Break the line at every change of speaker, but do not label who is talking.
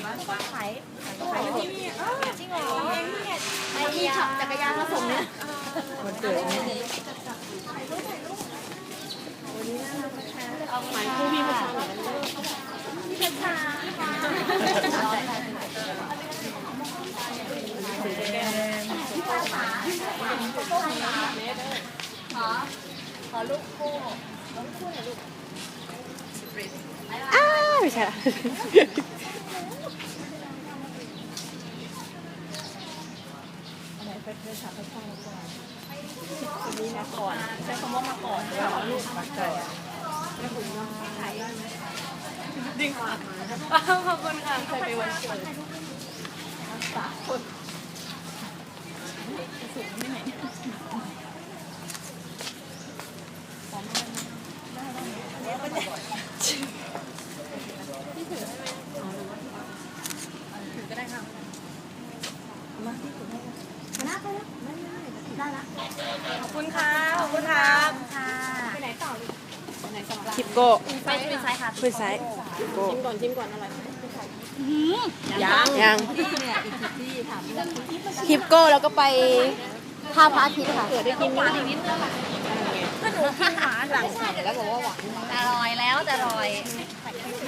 ขายที่นี่จริงเหรอไอ้ที่ขับจักรยานมาส่งเนี่ยมันเกิดเนี่ยเอาหมายคู่พี่มาส่งพี่เพชรชาขอลูกคู่ลูกคู่หน่อยลูก
ไม่ใช่ละ
คนนี้มาก่อนใช้คำว่ามาก่อนแล้วลูกมาก่อนไม่คุณน้องไทยดิ้งมาขอบคุณค่ะเคยไปวันเกิดสามคนสูงไม่ไหนพี่ถือได้ไหมถือก็ได้ค่ะมาที่ถือได้นะไปแล้วได้ละขอบคุณค่ะขอบคุณค่ะไปไหนต่อไปไหนต่อ
คิปโก้
ไปคุยซ้ายค่ะ
คุยซ้ายคิปโก้
ชิมก่อนอร่อย
ยัง
เนี่ยอีกที่ถามเรื่อง
คิปโก้แล้วก็ไปท่าพระอาทิตย์ค่ะ
เกิดได้กินหวานอีกนิดนึงก็หนูกินหวานหลังแล้วบอกว่าหวานอร่อยแล้วแต่อร่อย